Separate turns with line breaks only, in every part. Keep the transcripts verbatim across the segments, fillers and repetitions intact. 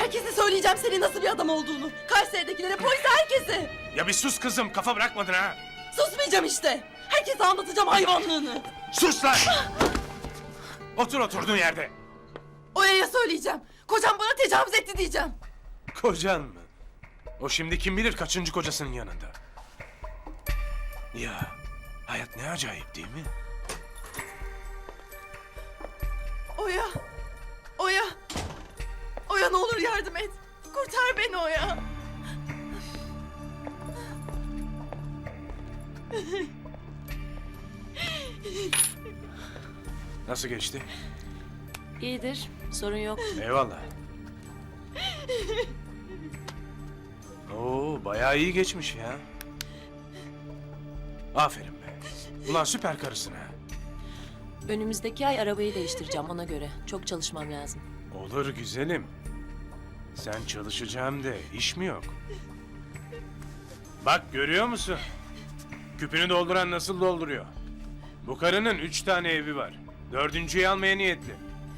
Herkese söyleyeceğim senin nasıl bir adam olduğunu. Kayseri'dekilere, polise, herkese.
Ya bir sus kızım, kafa bırakmadın ha.
Susmayacağım işte. Herkese anlatacağım hayvanlığını.
Sus lan! Otur oturduğun yerde.
Oya'ya söyleyeceğim. Kocam bana tecavüz etti diyeceğim.
Kocan mı? O şimdi kim bilir kaçıncı kocasının yanında. Ya hayat ne acayip değil mi?
Oya. Oya. Oya ne olur yardım et. Kurtar beni Oya.
Nasıl geçti?
İyidir, sorun yok.
Eyvallah. Oo, bayağı iyi geçmiş ya. Aferin be. Ulan süper karısın ha.
Önümüzdeki ay arabayı değiştireceğim ona göre. Çok çalışmam lazım.
Olur güzelim. Sen çalışacağım de iş mi yok? Bak görüyor musun? Küpünü dolduran nasıl dolduruyor? Bu karının üç tane evi var. Dördüncüyü almaya niyetli.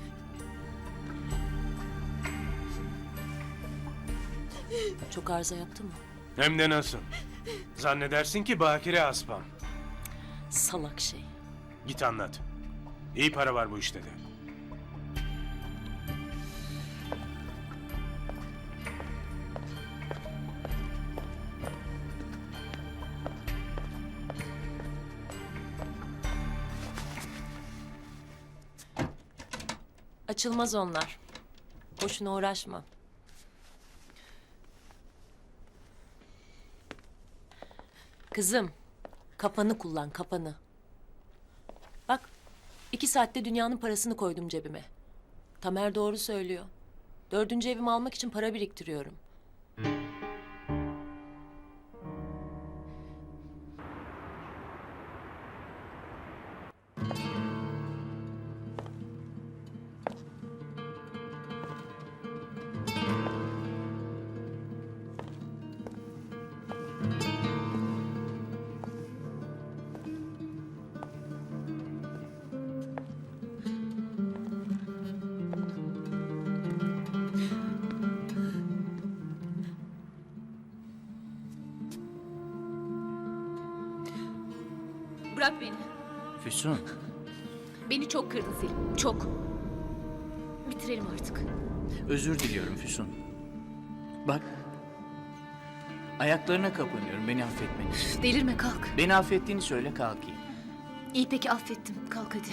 Çok arıza yaptı mı?
Hem de nasıl? Zannedersin ki bakire aspam.
Salak şey.
Git anlat. İyi para var bu işte de.
Açılmaz onlar. Boşuna uğraşma. Kızım, kafanı kullan, kafanı. Bak, iki saatte dünyanın parasını koydum cebime. Tamer doğru söylüyor. Dördüncü evimi almak için para biriktiriyorum.
Bırak beni.
Füsun,
Beni çok kırdın Selim. Çok. Bitirelim artık.
özür diliyorum Füsun. Bak, ayaklarına kapanıyorum beni affetmen için.
Delirme, kalk.
Beni affettiğini söyle kalkayım.
İyi peki, affettim. Kalk hadi.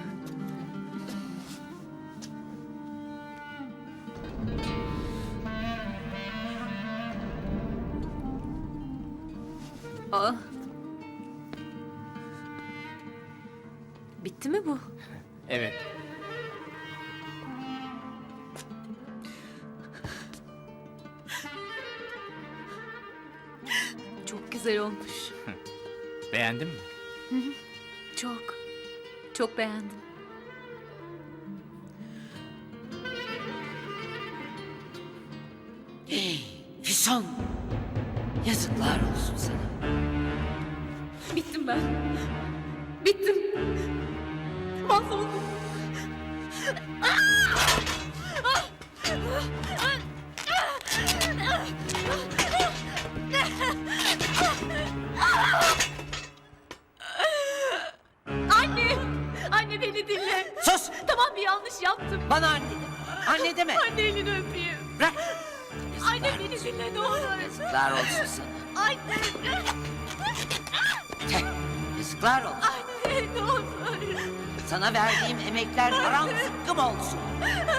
Aa.
Bitti mi bu?
Evet,
Çok güzel olmuş.
beğendin mi?
Çok. Çok beğendim.
Füsun! Yazıklar olsun sana.
Bittim ben. Bittim. Mahvoldum. Anne! Anne beni dinle.
Sus!
Tamam, bir yanlış yaptım.
Bana anne deme. Anne deme.
Anne elini öpeyim.
Bırak.
Anne beni dinle ne olur.
Yazıklar olsun sana.
Anne!
Teh, yazıklar olsun.
Anne ne olur.
Sana verdiğim emekler haram zıkkım olsun.